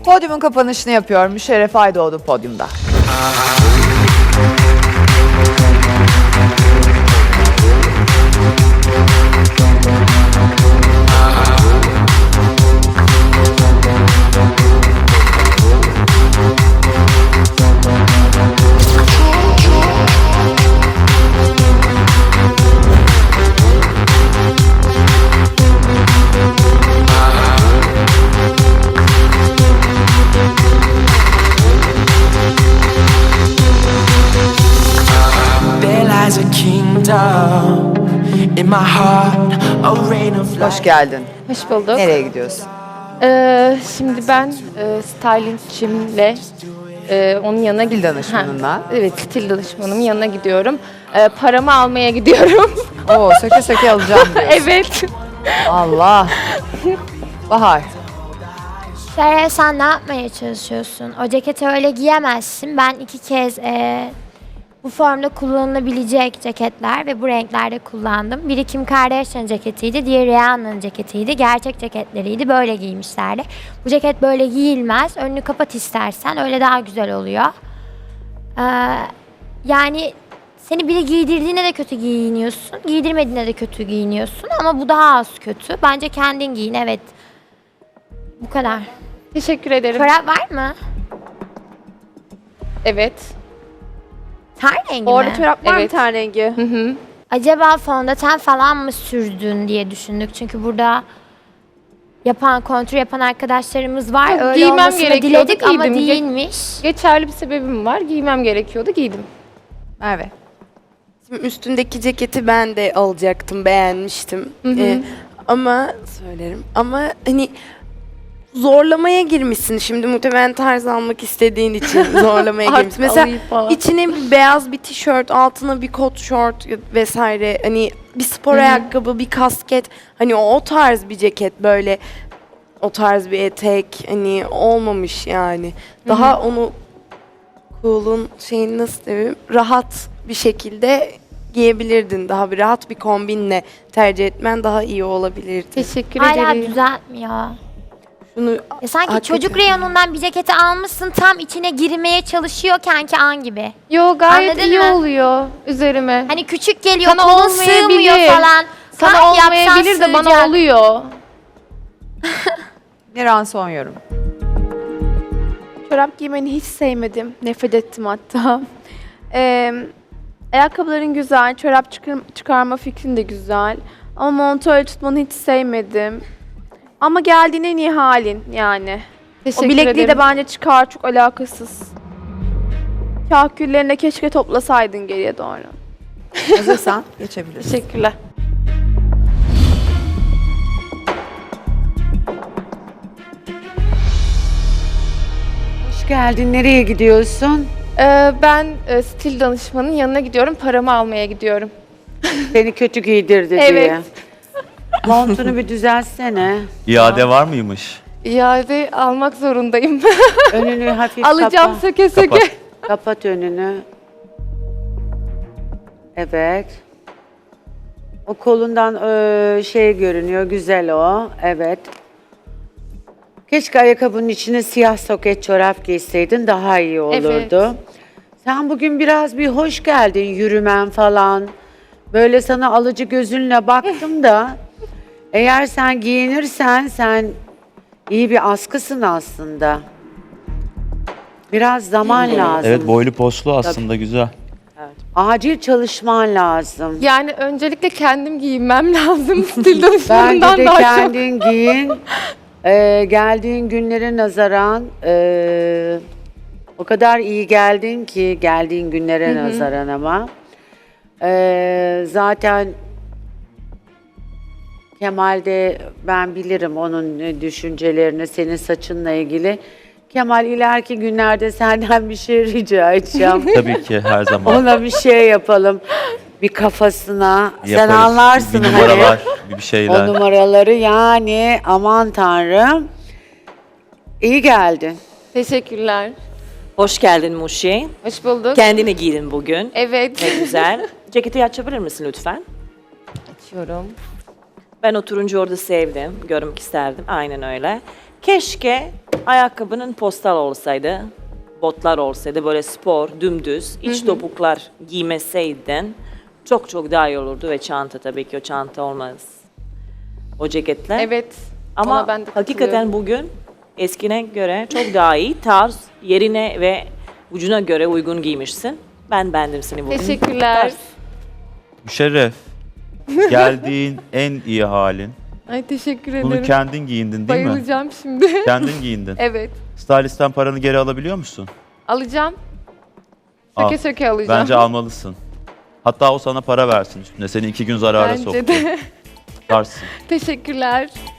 Podyumun kapanışını yapıyorum. Müşerref Aydoğdu podyumda. Hoş geldin. Hoş bulduk. Nereye gidiyorsun? Şimdi ben stylingçimle onun yanına Stil danışmanınla. Ha, evet, stil danışmanımın yanına gidiyorum. Paramı almaya gidiyorum. Oo, söke söke alacağım diyorsun. Evet. Allah. Bahar. Şeref, sen ne yapmaya çalışıyorsun? O ceketi öyle giyemezsin. Ben 2 kez bu formda kullanılabilecek ceketler ve bu renklerde kullandım. Biri Kim Kardashian ceketiydi, diğeri Rihanna'nın ceketiydi. Gerçek ceketleriydi, böyle giymişlerdi. Bu ceket böyle giyilmez. Önünü kapat istersen, öyle daha güzel oluyor. Yani seni biri giydirdiğine de kötü giyiniyorsun, giydirmediğine de kötü giyiniyorsun ama bu daha az kötü. Bence kendin giyin, evet. Bu kadar. Teşekkür ederim. Çorap var mı? Evet. Ten rengi Orada mi? çorap var mı Evet. ten rengi? Hı hı. Acaba fondöten falan mı sürdün diye düşündük. Çünkü burada kontür yapan arkadaşlarımız var. Yok, Öyle giymem olmasını gerekiyordu, diledik ama giydim. değilmiş. Geçerli bir sebebim var. Giymem gerekiyordu, giydim. Merve. Şimdi üstündeki ceketi ben de alacaktım, beğenmiştim. Ama söylerim. Ama hani zorlamaya girmişsin. Şimdi muhtemelen tarz almak istediğin için zorlamaya Artık girmişsin. Mesela alayım falan. içine bir beyaz bir tişört, altına bir kot şort vesaire. Hani bir spor ayakkabı, bir kasket. Hani o tarz bir ceket böyle. O tarz bir etek hani olmamış yani. Daha onu cool'un şeyini nasıl diyeyim, rahat bir şekilde giyebilirdin. Daha bir rahat bir kombinle tercih etmen daha iyi olabilirdi. Teşekkür Hala ederim. düzeltmiyor. Şunu Sanki hakikaten- çocuk reyonundan bir ceketi almışsın, tam içine girmeye çalışıyorken ki an gibi. Yo, gayet Anladın iyi mı? oluyor üzerime. Hani küçük geliyor, Sana kolun olmayabilir. sığmıyor falan. Sana Kalk yapsan olmayabilir de bana sığacak. oluyor. Niran son yorum. Çorap giymeni hiç sevmedim. Nefret ettim hatta. Ayakkabıların güzel, çorap çıkarma fikrin de güzel. Ama montu öyle tutmanı hiç sevmedim. Ama geldiğin en iyi halin yani. Teşekkür O bilekliği ederim. de bence çıkar, çok alakasız. Kahküllerini de keşke toplasaydın geriye doğru. Hazırsan geçebilirsin. Teşekkürler. Hoş geldin. Nereye gidiyorsun? Ben stil danışmanın yanına gidiyorum. Paramı almaya gidiyorum. Seni kötü giydirdi Evet. diye. Montunu bir düzelsene. İade var mıymış? İade almak zorundayım. Önünü hafif Alacağım kapa. söke söke. Kapat. Kapat önünü. Evet. O kolundan şey görünüyor. Güzel o. Evet. Keşke ayakkabının içine siyah soket çorap giyseydin, daha iyi olurdu. Sen bugün biraz bir hoş geldin, yürümen falan. Böyle sana alıcı gözünle baktım da eğer sen giyinirsen sen iyi bir askısın aslında. Biraz zaman lazım. Evet, boylu poslu aslında güzel. Acil çalışman lazım. Yani öncelikle kendim giyinmem lazım. Stil Bence danışmanından de daha çok. kendin giyin. Geldiğin günlere nazaran o kadar iyi geldin ki, geldiğin günlere nazaran ama. Zaten Kemal de, ben bilirim onun düşüncelerini senin saçınla ilgili. Kemal, ileriki günlerde senden bir şey rica edeceğim. Tabii ki her zaman. Ona bir şey yapalım. Bir kafasına. Sen Yaparız. anlarsın bir hani. numaralar, bir O şeyler. numaraları yani, aman tanrım. İyi geldin. Teşekkürler. Hoş geldin Muşi. Hoş bulduk. Kendine giydin bugün. Evet. Ne güzel. Ceketi açabilir misin lütfen? Açıyorum. Ben o turuncu orada sevdim. Görmek isterdim. Aynen öyle. Keşke ayakkabının postal olsaydı, botlar olsaydı, böyle spor, dümdüz, iç topuklar giymeseydin çok çok daha iyi olurdu ve çanta tabii ki o çanta olmaz. O ceketler. Evet. Ama ona ben de hakikaten katılıyorum. bugün eskine göre çok daha iyi tarz, yerine ve ucuna göre uygun giymişsin. Ben beğendim seni bugün. Teşekkürler. Müşerref. Geldiğin en iyi halin. Ay teşekkür ederim. Bunu kendin giyindin değil mi? Bayılacağım şimdi. Kendin giyindin. Evet. Stylist'ten paranı geri alabiliyor musun? Alacağım. Al. Söke söke alacağım. Bence almalısın. Hatta o sana para versin üstüne. Seni 2 gün zarara Bence soktu. de. Tutarsın. Teşekkürler.